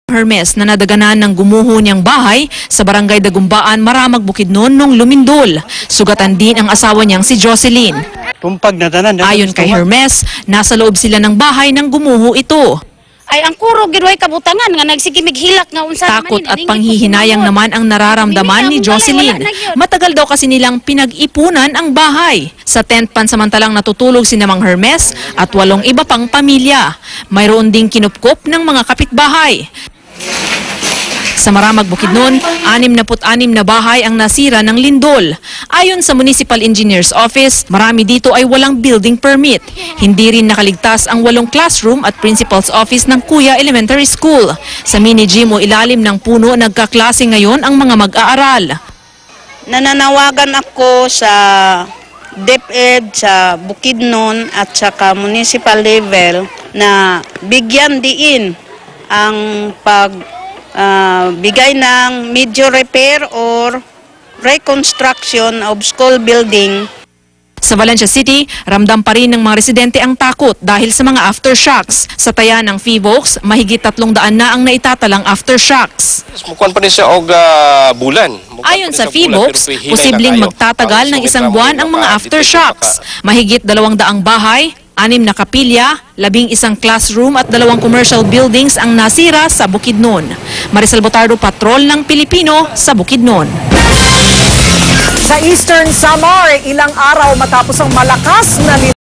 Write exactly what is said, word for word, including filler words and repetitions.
Hermes na nadaganan ng gumuho niyang bahay sa barangay Dagumbaan, Maramag, Bukidnon nung lumindol. Sugatan din ang asawa niyang si Jocelyn. Tumpag na tanan. Ayon kay Hermes, nasa loob sila ng bahay nang gumuho ito. Ay ang kuro giroy kabutangan nga nagsigimig hilak nga unsa Takot at panghihinayang naman ang nararamdaman ni Jocelyn. Matagal daw kasi nilang pinag-ipunan ang bahay. Sa tent pansamantalang natutulog si Namang Hermes at walong iba pang pamilya. Mayroon ding kinupkop ng mga kapitbahay. Sa Maramag, Bukidnon, anim na put-anim na bahay ang nasira ng lindol. Ayon sa Municipal Engineer's Office, marami dito ay walang building permit. Hindi rin nakaligtas ang walong classroom at principal's office ng Kuya Elementary School. Sa mini gym o ilalim ng puno, nagkaklase ngayon ang mga mag-aaral. Nananawagan ako sa DepEd, sa Bukidnon at saka municipal level na bigyan diin ang pag Uh, bigay ng major repair or reconstruction of school building. Sa Valencia City, ramdam pa rin ng mga residente ang takot dahil sa mga aftershocks. Sa taya ng Fivox, mahigit tatlong daan na ang naitatalang aftershocks. Mukuan pa rin siya og uh, bulan. Ayon sa Fivox, posibleng magtatagal ng isang buwan ang mga aftershocks. Mahigit dalawang daang bahay, anim na kapilya, labing isang classroom at dalawang commercial buildings ang nasira sa Bukidnon. Marisol Botardo, Patrol ng Pilipino sa Bukidnon. Sa Eastern Samar, ilang araw matapos ang malakas na